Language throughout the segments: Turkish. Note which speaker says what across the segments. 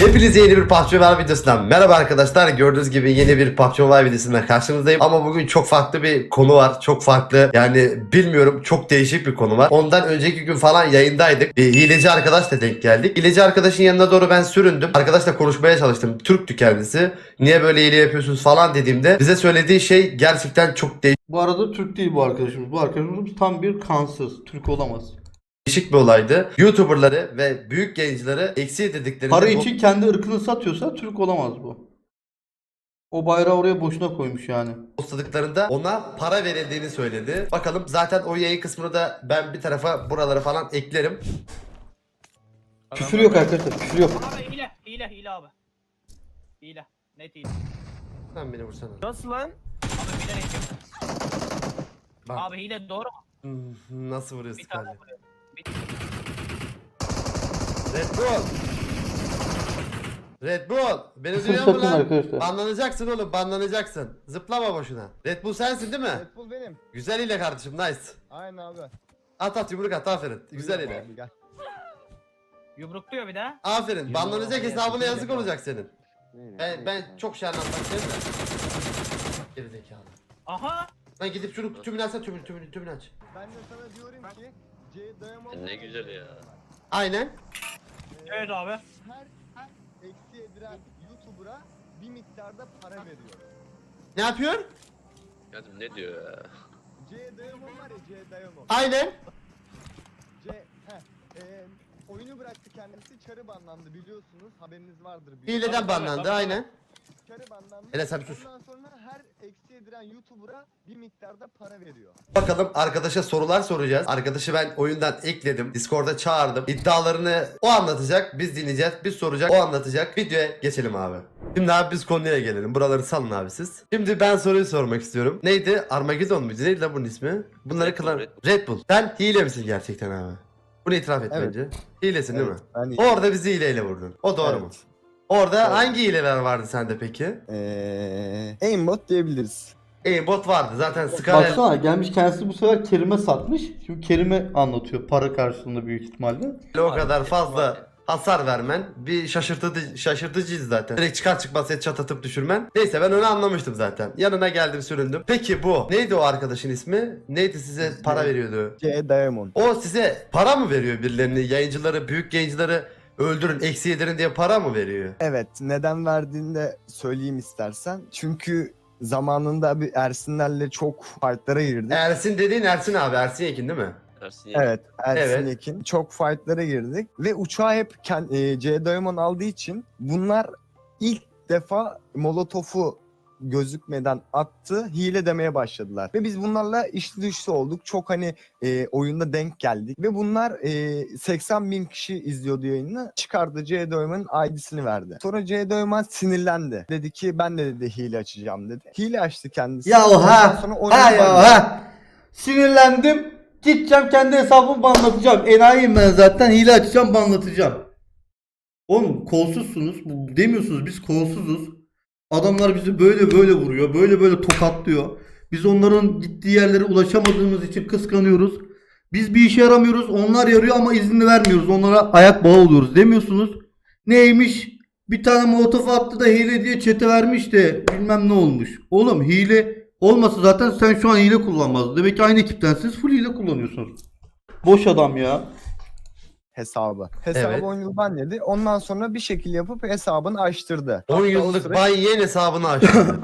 Speaker 1: Hepinize yeni bir PUBG Mobile videosundan merhaba arkadaşlar. Gördüğünüz gibi yeni bir PUBG Mobile videosundan karşınızdayım. Ama bugün çok farklı bir konu var. Çok farklı, yani bilmiyorum, çok değişik bir konu var. Ondan önceki gün falan yayındaydık. Bir hileci arkadaşla denk geldik. Hileci arkadaşın yanına doğru ben süründüm. Arkadaşla konuşmaya çalıştım. Türktü kendisi. Niye böyle hile yapıyorsunuz falan dediğimde bize söylediği şey gerçekten çok
Speaker 2: Bu arada Türk değil bu arkadaşımız. Bu arkadaşımız tam bir kansız. Türk olamaz.
Speaker 1: değişik bir olaydı. YouTuber'ları ve büyük gençleri eksi dediklerinde
Speaker 2: Para için kendi ırkını satıyorsa Türk olamaz bu. O bayrağı oraya boşuna koymuş yani.
Speaker 1: postladıklarında ona para verildiğini söyledi. Bakalım, zaten o yayın kısmını da ben bir tarafa, buraları falan eklerim.
Speaker 2: Küfür yok arkadaşlar, küfür yok.
Speaker 3: Abi hile abi. Hile. Net hile.
Speaker 1: Sen beni vursana.
Speaker 4: Nasıl lan?
Speaker 3: Abi bilerek yapıyor.
Speaker 1: Bak.
Speaker 3: Abi hile doğru mu?
Speaker 1: Nasıl vuruyorsun
Speaker 3: Bir tane
Speaker 1: kardeşim?
Speaker 3: vuruyor.
Speaker 1: Red Bull! Red Bull! Beni
Speaker 2: Küfür
Speaker 1: duyuyor musun
Speaker 2: sakın
Speaker 1: lan?
Speaker 2: arkadaşlar.
Speaker 1: Banlanacaksın oğlum, banlanacaksın. Zıplama boşuna. Red Bull sensin değil mi?
Speaker 4: Red Bull benim.
Speaker 1: Güzel ile kardeşim, nice.
Speaker 4: Aynen abi.
Speaker 1: At yumruk at, aferin. Güzel ile.
Speaker 4: Abi, gel.
Speaker 3: Yumrukluyor bir de.
Speaker 1: Aferin. Banlanacak hesabına yazık
Speaker 4: yapacağım.
Speaker 1: olacak senin. Ben çok şey anlatmak isterim de. Geri zekalı.
Speaker 3: Aha.
Speaker 1: Lan gidip şunu tümünü açsana, tümünü aç.
Speaker 4: Ben de sana diyorum ki C Diamond.
Speaker 5: Ne güzel ya.
Speaker 1: Aynen.
Speaker 3: Evet abi.
Speaker 4: Her eksi edilen YouTuber'a bir miktarda para veriyor.
Speaker 1: Ne yapıyor?
Speaker 5: Kadın ne diyor ya?
Speaker 4: C Diamond var ya, C Diamond.
Speaker 1: Aynen.
Speaker 4: Oyunu bıraktı kendisi, çarı banlandı biliyorsunuz, haberiniz vardır.
Speaker 1: Hileden banlandı, aynen.
Speaker 4: Çarı banlandı.
Speaker 1: Hele sen bir sus.
Speaker 4: Ondan sonra her eksi edilen YouTuber'a bir miktarda para veriyor.
Speaker 1: Bakalım, arkadaşa sorular soracağız. Arkadaşı ben oyundan ekledim. Discord'a çağırdım. İddialarını o anlatacak. Biz dinleyeceğiz. Biz soracak. O anlatacak. Videoya geçelim abi. Şimdi abi biz konuya gelelim. Buraları salın abi siz. Şimdi ben soruyu sormak istiyorum. Neydi? Armageddon muydu? Neydi lan bunun ismi? Bunları
Speaker 5: Red Bull,
Speaker 1: kılan...
Speaker 5: Red
Speaker 1: Red Bull. Sen hile misin gerçekten abi? Bunu itiraf et
Speaker 4: Evet.
Speaker 1: bence. Hilesin değil mi?
Speaker 4: Ben
Speaker 1: Orada bizi hileyle vurdun. O doğru mu? Orada hangi hileler vardı sende peki?
Speaker 4: Aimbot diyebiliriz.
Speaker 1: Bot vardı. Zaten Scarlet...
Speaker 2: Baksana, gelmiş kendisi bu sefer Kerim'e satmış. Şimdi Kerim'e anlatıyor para karşılığında büyük ihtimalle.
Speaker 1: O kadar fazla hasar vermen bir şaşırtıcıyız zaten. Direkt çıkar çıkmaz headshot atıp düşürmen. Neyse, ben onu anlamıştım zaten. Yanına geldim, süründüm. Peki bu neydi, o arkadaşın ismi? Neydi, size para veriyordu?
Speaker 4: C Diamond.
Speaker 1: O size para mı veriyor, birilerini, yayıncıları, büyük yayıncıları öldürün, eksi yedirin diye para mı veriyor?
Speaker 4: Evet, neden verdiğini de söyleyeyim istersen. Çünkü zamanında bir Ersinlerle çok fightlara girdik.
Speaker 1: Ersin dediğin Ersin abi, Ersin Yekin değil mi?
Speaker 5: Ersin
Speaker 4: Evet, Ersin
Speaker 1: Evet.
Speaker 4: Yekin. Çok fightlara girdik ve uçağı hep C Diamond aldığı için bunlar ilk defa Molotov'u gözükmeden attı, hile demeye başladılar. Ve biz bunlarla içli dışlı olduk. Çok hani oyunda denk geldik. Ve bunlar 80 bin kişi izliyordu yayını. Çıkardı, C Diamond'ın ID'sini verdi. Sonra C Diamond sinirlendi. Dedi ki ben de dedi hile açacağım dedi. Hile açtı kendisi.
Speaker 2: Ya
Speaker 4: Ondan
Speaker 2: ha,
Speaker 4: sonra
Speaker 2: ha
Speaker 4: oyunu
Speaker 2: ya
Speaker 4: banladı.
Speaker 2: ha. Sinirlendim. Gideceğim kendi hesabımı banlatacağım. Enayiyim ben zaten. Hile açacağım, banlatacağım. Oğlum kolsuzsunuz. Demiyorsunuz biz kolsuzuz. Adamlar bizi böyle böyle vuruyor. Böyle böyle tokatlıyor. Biz onların gittiği yerlere ulaşamadığımız için kıskanıyoruz. Biz bir işe yaramıyoruz. Onlar yarıyor ama izni vermiyoruz. Onlara ayak bağı oluyoruz demiyorsunuz. Neymiş? Bir tane molotof attı da hile diye çete vermiş de bilmem ne olmuş. Oğlum hile olmasa zaten sen şu an hile kullanmazdın. Demek ki aynı ekiptensiniz, full hile kullanıyorsunuz. Boş adam ya.
Speaker 4: Hesabı
Speaker 1: Evet.
Speaker 4: 10 yıl banledi. Ondan sonra bir şekil yapıp hesabını açtırdı.
Speaker 1: 10
Speaker 4: Hatta o
Speaker 1: yıllık
Speaker 4: süre-
Speaker 1: Bay Yen hesabını açtı.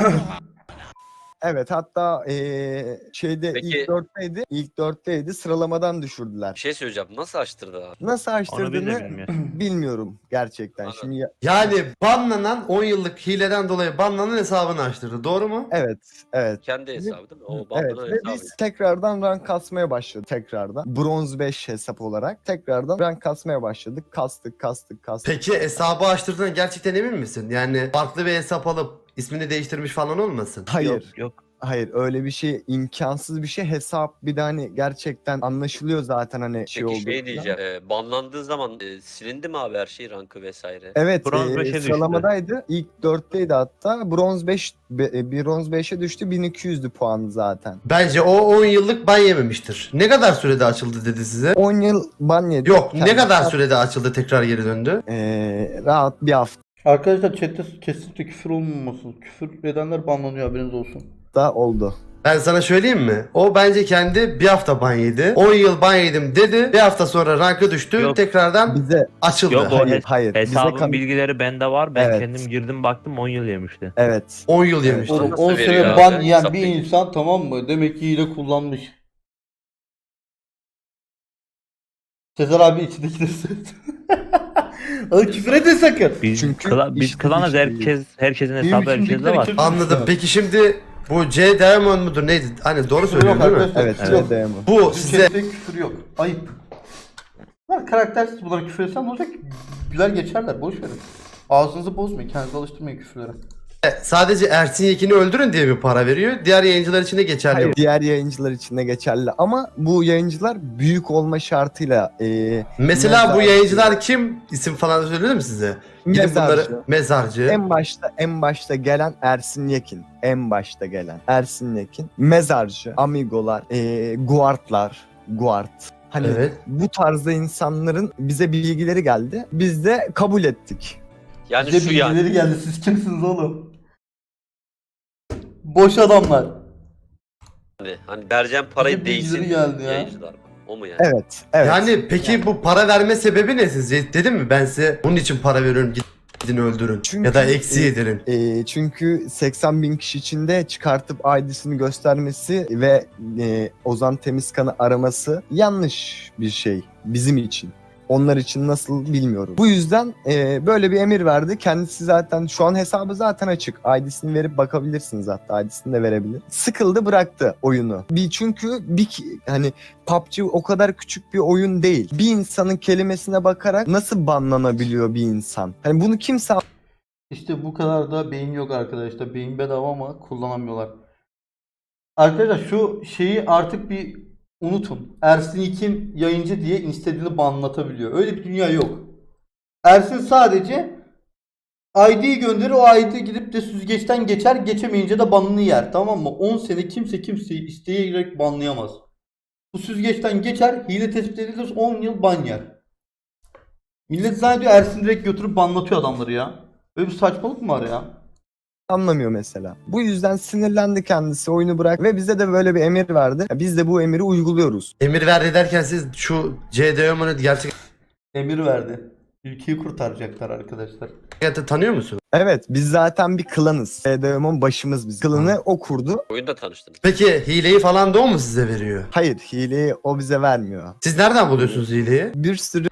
Speaker 4: Evet, hatta şeyde
Speaker 5: Peki-
Speaker 4: ilk dörtteydi, sıralamadan
Speaker 5: Bir
Speaker 4: düşürdüler.
Speaker 5: şey söyleyeceğim. Nasıl açtırdı abi?
Speaker 4: Nasıl
Speaker 6: Onu ben de
Speaker 4: açtırdığını
Speaker 6: bilmiyorum.
Speaker 4: bilmiyorum gerçekten.
Speaker 5: Anladım.
Speaker 4: Şimdi
Speaker 1: Yani banlanan, 10 yıllık hileden dolayı banlanan hesabını açtırdı. Doğru mu?
Speaker 4: evet.
Speaker 5: Kendi hesabı değil mi? O
Speaker 4: Evet
Speaker 5: bandanın
Speaker 4: ve
Speaker 5: hesabı.
Speaker 4: biz tekrardan rank kasmaya başladık tekrardan. Bronz 5 hesap olarak tekrardan rank kasmaya başladık. Kastık.
Speaker 1: Peki hesabı açtırdığına gerçekten emin misin? Yani farklı bir hesap alıp ismini değiştirmiş falan olmasın?
Speaker 4: Hayır.
Speaker 6: Yok.
Speaker 4: Hayır, öyle bir şey imkansız bir şey. Hesap bir de hani gerçekten anlaşılıyor zaten hani şey
Speaker 5: Peki
Speaker 4: oldu.
Speaker 5: şey diyeceğim. Banlandığı zaman silindi mi abi her şey, rankı vesaire?
Speaker 4: Evet,
Speaker 6: Bronz 5'e düştü.
Speaker 4: sıralamadaydı. İlk 4'teydi hatta. Bronz 5 bronz 5'e düştü. 1200'dü puanı zaten.
Speaker 1: Bence o 10 yıllık ban yememiştir. Ne kadar sürede açıldı dedi size?
Speaker 4: 10 yıl ban yedi.
Speaker 1: Yok, ne
Speaker 4: Kendisi-
Speaker 1: kadar sürede açıldı, tekrar geri döndü?
Speaker 4: Rahat bir hafta.
Speaker 2: Arkadaşlar chatte kesinlikle küfür olmaması. Küfür edenler banlanıyor, haberiniz olsun.
Speaker 4: Da oldu.
Speaker 1: Ben sana söyleyeyim mi? O bence kendi bir hafta ban yedi. 10 yıl ban yedim dedi. Bir hafta sonra rankı düştü.
Speaker 6: Yok.
Speaker 1: Tekrardan
Speaker 4: Bize
Speaker 1: açıldı.
Speaker 6: Yok, o
Speaker 4: hayır. Bize
Speaker 6: hesabın bilgileri bende var. Ben
Speaker 4: Evet.
Speaker 6: kendim girdim baktım 10 yıl yemişti.
Speaker 4: Evet.
Speaker 1: 10 yıl yemişti.
Speaker 2: Oğlum
Speaker 5: Nasıl
Speaker 2: 10
Speaker 5: veriyor
Speaker 2: sene
Speaker 5: abi?
Speaker 2: ban yiyen
Speaker 5: Hesap
Speaker 2: bir
Speaker 5: değil.
Speaker 2: insan, tamam mı? Demek ki hile kullanmış. Sezer abi içindekileri söyledi. Oğlum küfür etme sakın.
Speaker 6: Biz
Speaker 4: Çünkü
Speaker 6: biz
Speaker 4: işte
Speaker 6: klanız,
Speaker 4: bir şey
Speaker 6: herkesin
Speaker 2: Benim
Speaker 6: hesabı herkeste
Speaker 2: içimdekileri
Speaker 6: var.
Speaker 2: kim-
Speaker 1: Anladım. Peki şimdi bu C Diamond mudur neydi? Hani doğru söylüyorum değil mi?
Speaker 2: arkadaşlar.
Speaker 4: Evet.
Speaker 2: Yok.
Speaker 4: Diamond.
Speaker 1: Bu
Speaker 2: Bizim
Speaker 1: size
Speaker 2: chatte küfür yok. Ayıp. Bunlar karaktersiz, bunlara küfür etsem ne olacak? Güler geçerler, boş verin. Ağzınızı bozmayın, kendinizi alıştırmayın küfürlere.
Speaker 1: sadece Ersin Yekin'i öldürün diye bir para veriyor. Diğer yayıncılar için de geçerli.
Speaker 4: Hayır, diğer yayıncılar için de geçerli ama bu yayıncılar büyük olma şartıyla
Speaker 1: Mesela bu
Speaker 4: Mezarcı.
Speaker 1: yayıncılar kim? İsim falan söyledim mi size? Gidin
Speaker 4: mezarcı.
Speaker 1: bunları mezarcı.
Speaker 4: En başta gelen Ersin Yekin. En başta gelen Ersin Yekin. Mezarcı, amigolar, guard. Hani
Speaker 1: Evet.
Speaker 4: bu tarzda insanların bize bilgileri geldi. Biz de kabul ettik.
Speaker 5: Yani
Speaker 2: Bize
Speaker 5: şu yani.
Speaker 2: bilgileri geldi, siz kimsiniz oğlum? Boş adamlar.
Speaker 5: Hani vereceğim parayı
Speaker 2: Bize bilgileri
Speaker 5: değsin
Speaker 2: geldi ya.
Speaker 5: yayıncılar. O mu yani?
Speaker 4: Evet.
Speaker 1: Yani peki bu para verme sebebi ne sizce? Dedim mi ben size bunun için para veriyorum gidin öldürün.
Speaker 4: Çünkü-
Speaker 1: ya da eksi yedirin.
Speaker 4: Çünkü 80 bin kişi içinde çıkartıp ID'sini göstermesi ve Ozan Temizkan'ı araması yanlış bir şey bizim için. Onlar için nasıl bilmiyorum. Bu yüzden böyle bir emir verdi. Kendisi zaten şu an hesabı zaten açık. ID'sini verip bakabilirsiniz, hatta ID'sini de verebilir. Sıkıldı, bıraktı oyunu. Çünkü hani PUBG o kadar küçük bir oyun değil. Bir insanın kelimesine bakarak nasıl banlanabiliyor bir insan? Hani bunu kimse
Speaker 2: İşte bu kadar da beyin yok arkadaşlar. Beyin bedava ama kullanamıyorlar. Arkadaşlar şu şeyi artık bir unutun. Ersin İkin yayıncı diye istediğini banlatabiliyor. Öyle bir dünya yok. Ersin sadece ID'yi gönderir, o ID gidip de süzgeçten geçer, geçemeyince de banını yer, tamam mı? 10 sene kimse kimseyi isteyerek banlayamaz. Bu süzgeçten geçer, hile tespit edilir, 10 yıl ban yer. Millet zannediyor Ersin direkt götürüp banlatıyor adamları ya. Böyle bir saçmalık mı var ya?
Speaker 4: anlamıyor mesela. Bu yüzden sinirlendi kendisi, oyunu bırak ve bize de böyle bir emir verdi. Biz de bu emiri uyguluyoruz.
Speaker 1: Emir verdi derken siz şu C Diamond'ı gerçekten
Speaker 2: Emir verdi. Ülkeyi kurtaracaklar arkadaşlar.
Speaker 1: tanıyor musun?
Speaker 4: Evet, biz zaten bir klanız. SDM'in başımız biz. Klanı o kurdu.
Speaker 5: Oyunda tanıştınız.
Speaker 1: Peki hileyi falan da o mu size veriyor?
Speaker 4: Hayır, hileyi o bize vermiyor.
Speaker 1: Siz nereden buluyorsunuz hileyi?
Speaker 4: Bir sürü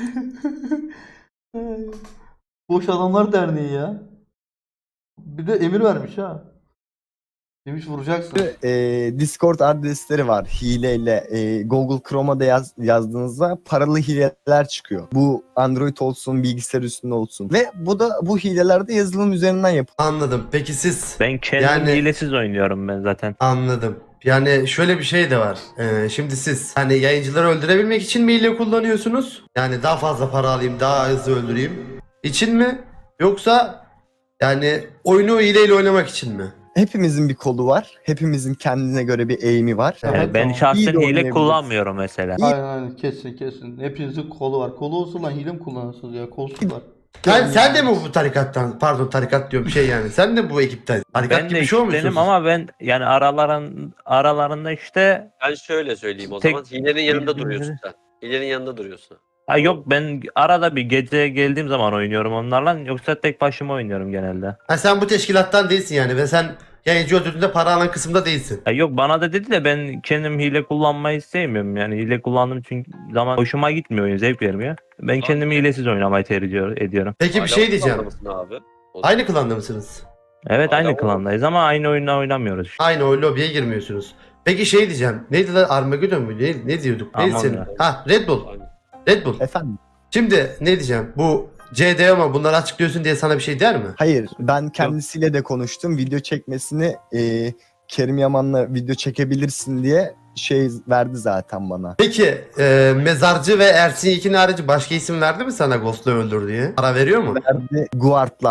Speaker 2: Boş Adamlar Derneği ya. Bir de emir vermiş ha. Demiş vuracaksın.
Speaker 4: Discord adresleri var hileyle. Google Chrome'a da yazdığınızda paralı hileler çıkıyor. Bu Android olsun, bilgisayar üstünde olsun. Ve bu hileler de yazılım üzerinden yapılıyor.
Speaker 1: Anladım. Peki siz
Speaker 6: Ben kendim
Speaker 1: Yani-
Speaker 6: hilesiz oynuyorum ben zaten.
Speaker 1: anladım. Yani şöyle bir şey de var. Şimdi siz hani yayıncıları öldürebilmek için mi hile kullanıyorsunuz? Yani daha fazla para alayım, daha hızlı öldüreyim için mi? Yoksa yani oyunu hileyle oynamak için mi?
Speaker 4: Hepimizin bir kolu var. Hepimizin kendine göre bir eğimi var.
Speaker 2: Evet,
Speaker 6: Yani ben
Speaker 2: tamam.
Speaker 6: şahsen
Speaker 4: İyi de
Speaker 6: hile
Speaker 4: oynayabiliriz.
Speaker 6: kullanmıyorum mesela.
Speaker 2: Aynen kesin. Hepinizin kolu var. Kolu olsa lan hile mi kullanırsınız ya? Kolsuz var.
Speaker 1: Sen de mi bu tarikattan? Pardon tarikat diyorum şey yani. Sen de bu ekipten. Tarikat
Speaker 6: Ben
Speaker 1: gibi
Speaker 6: de
Speaker 1: bir şey olmuşsun.
Speaker 6: ekiptenim ama ben yani aralarında işte
Speaker 5: Ben şöyle söyleyeyim o
Speaker 6: Tek-
Speaker 5: zaman. Hilenin yanında
Speaker 6: Bildiğim
Speaker 5: duruyorsun sen. Hilenin yanında duruyorsun.
Speaker 6: ha yok, ben arada bir gece geldiğim zaman oynuyorum onlarla, yoksa tek başıma oynuyorum genelde.
Speaker 1: Ha, sen bu teşkilattan değilsin yani ve sen yayıncı öldürdüğünde para alan kısımda değilsin.
Speaker 6: Ha yok, bana da dedi de ben kendim hile kullanmayı sevmiyorum. Yani hile kullandığım çünkü zaman hoşuma gitmiyor, oyun zevk vermiyor. Ben kendim hilesiz oynamayı tercih ediyorum.
Speaker 1: Peki bir
Speaker 5: Hala
Speaker 1: şey diyeceğim.
Speaker 5: kullanır mısın abi? O-
Speaker 1: Aynı klanda mısınız?
Speaker 6: Evet,
Speaker 5: Hala
Speaker 6: aynı
Speaker 5: o-
Speaker 6: klandayız ama aynı oyunu oynamıyoruz işte.
Speaker 1: Aynı o lobiye girmiyorsunuz. Peki şey diyeceğim. Neydi lan Armageddon mu? Ne diyorduk? Neydi
Speaker 6: Aman
Speaker 1: senin?
Speaker 6: ya.
Speaker 1: Ha Red Bull.
Speaker 5: Aynen.
Speaker 1: Red Bull.
Speaker 4: Efendim?
Speaker 1: Şimdi ne diyeceğim? Bu CD ama bunları açıklıyorsun diye sana bir şey der mi?
Speaker 4: Hayır, ben kendisiyle de konuştum. Video çekmesini Kerim Yaman'la video çekebilirsin diye şey verdi zaten bana.
Speaker 1: Peki Mezarcı ve Ersin Yekin harici başka isim verdi mi sana Ghost'u öldür diye? Para veriyor mu?
Speaker 4: Verdi guardlar.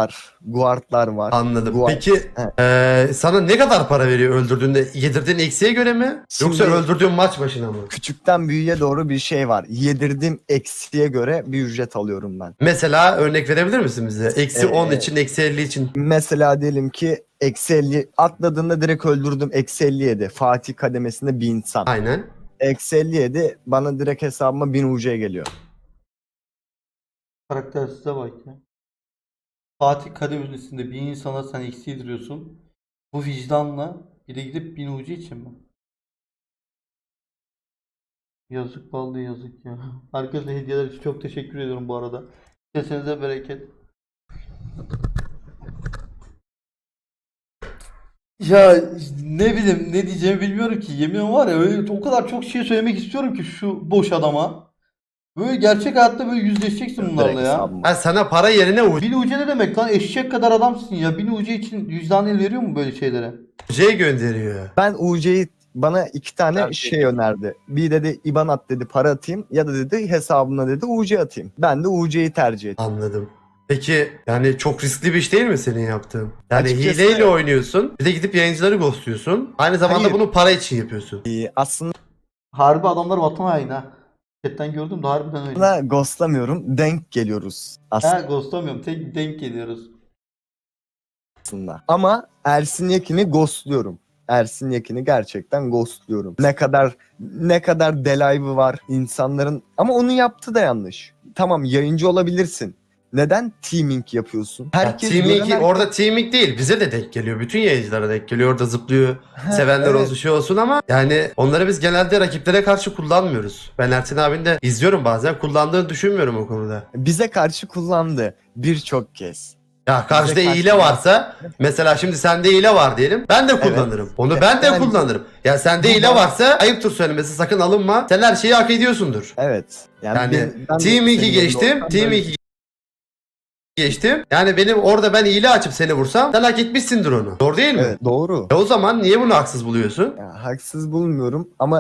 Speaker 4: guardlar var.
Speaker 1: Anladım.
Speaker 4: Guard.
Speaker 1: Peki sana ne kadar para veriyor öldürdüğünde? Yedirdiğin eksiğe göre mi? Yoksa
Speaker 4: Şimdi-
Speaker 1: öldürdüğün maç başına mı?
Speaker 4: Küçükten büyüğe doğru bir şey var. Yedirdiğim eksiye göre bir ücret alıyorum ben.
Speaker 1: Mesela örnek verebilir misin bize? Eksi 10
Speaker 4: Ee,
Speaker 1: için, eksi 50 için.
Speaker 4: Mesela diyelim ki eksi 50 atladığında direkt öldürdüm, eksi 57. Fatih kademesinde bir insan.
Speaker 1: Aynen.
Speaker 4: Eksi 57 bana direkt hesabıma 1000 UC geliyor.
Speaker 2: Karaktersize bak ya. Fatih kademesinde bir insana sen eksi yediriyorsun. Bu vicdanla bir de gidip 1000 ucu için mi? Yazık vallahi yazık ya. Herkese hediyeler için çok teşekkür ediyorum bu arada. Kesenize bereket. Ya ne bileyim ne diyeceğimi bilmiyorum ki. Yemin var ya öyle o kadar çok şey söylemek istiyorum ki şu boş adama. Böyle gerçek hayatta böyle yüzleşeceksin bunlarla
Speaker 4: Direkt
Speaker 2: ya.
Speaker 4: hesabıma.
Speaker 1: Ha, sana para yerine
Speaker 2: Bin ucu ne demek lan? Eşek kadar adamsın ya. Bin ucu için vicdan el veriyor mu böyle şeylere?
Speaker 1: UC gönderiyor.
Speaker 4: Ben UC'yi bana 2 tane
Speaker 5: Tabii.
Speaker 4: şey önerdi. Bir dedi IBAN at dedi, para atayım, ya da dedi hesabına dedi UC atayım. Ben de UC'yi tercih ettim.
Speaker 1: Anladım. Peki yani çok riskli bir iş değil mi senin yaptığın? Yani
Speaker 4: Açıkçası-
Speaker 1: hileyle oynuyorsun. Bir de gidip yayıncıları ghostluyorsun. Aynı zamanda
Speaker 4: Hayır.
Speaker 1: bunu para için yapıyorsun.
Speaker 4: Aslında
Speaker 2: Harbi adamlar vatan haini ha. Chatten gördüm de harbiden öyle.
Speaker 4: ghostlamıyorum, denk geliyoruz
Speaker 2: Ha ghostlamıyorum. Tek denk geliyoruz.
Speaker 4: aslında. Ama Ersin Yekin'i ghostluyorum. Ersin Yekin'i gerçekten ghostluyorum. Ne kadar delive'ı var insanların, ama onu yaptı da yanlış. Tamam, yayıncı olabilirsin. Neden teaming yapıyorsun? Herkes
Speaker 1: Teaming,
Speaker 4: gören
Speaker 1: orada teaming değil. Bize de denk geliyor. Bütün yayıncılara denk geliyor. Orada zıplıyor. Sevenler
Speaker 4: evet.
Speaker 1: olsun şey olsun ama yani onları biz genelde rakiplere karşı kullanmıyoruz. Ben Ertin abinin de izliyorum bazen. Kullandığını düşünmüyorum o konuda.
Speaker 4: Bize karşı kullandı birçok kez.
Speaker 1: Ya karşıda
Speaker 4: Bize
Speaker 1: hile
Speaker 4: karşı-
Speaker 1: varsa mesela şimdi sende hile var diyelim. Ben de kullanırım. Onu ben de
Speaker 4: Yani-
Speaker 1: kullanırım. Ya sende
Speaker 4: Bu
Speaker 1: hile
Speaker 4: da-
Speaker 1: varsa ayıptır söylemesi, sakın alınma. Sen her şeyi hak ediyorsundur.
Speaker 4: Evet.
Speaker 1: Yani
Speaker 4: ben de
Speaker 1: Team 2
Speaker 4: senin
Speaker 1: geçtim.
Speaker 4: yerinde olsam
Speaker 1: Team
Speaker 4: böyle-
Speaker 1: 2 geçtim. Yani benim orada ben hile açıp seni vursam sen hak etmişsindir onu. Doğru değil mi?
Speaker 4: Evet, doğru.
Speaker 1: O zaman niye bunu haksız buluyorsun?
Speaker 4: Ya, haksız bulmuyorum ama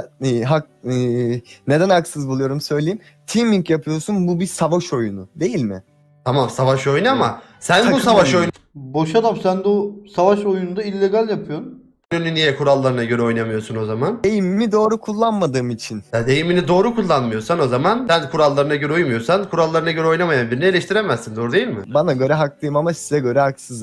Speaker 4: neden haksız buluyorum söyleyeyim. Teaming yapıyorsun, bu bir savaş oyunu değil mi?
Speaker 1: Tamam, savaş oyunu ama sen bu
Speaker 4: Takım
Speaker 1: savaş
Speaker 4: oyunu.
Speaker 2: Boş adam sen de o savaş oyununda illegal yapıyorsun.
Speaker 1: oyununu niye kurallarına göre oynamıyorsun o zaman?
Speaker 4: Eğimimi doğru kullanmadığım için.
Speaker 1: Ya deyimini doğru kullanmıyorsan o zaman, sen kurallarına göre uymuyorsan, kurallarına göre oynamayan birini eleştiremezsin. Doğru değil mi?
Speaker 4: Bana göre haklıyım ama size göre haksızım.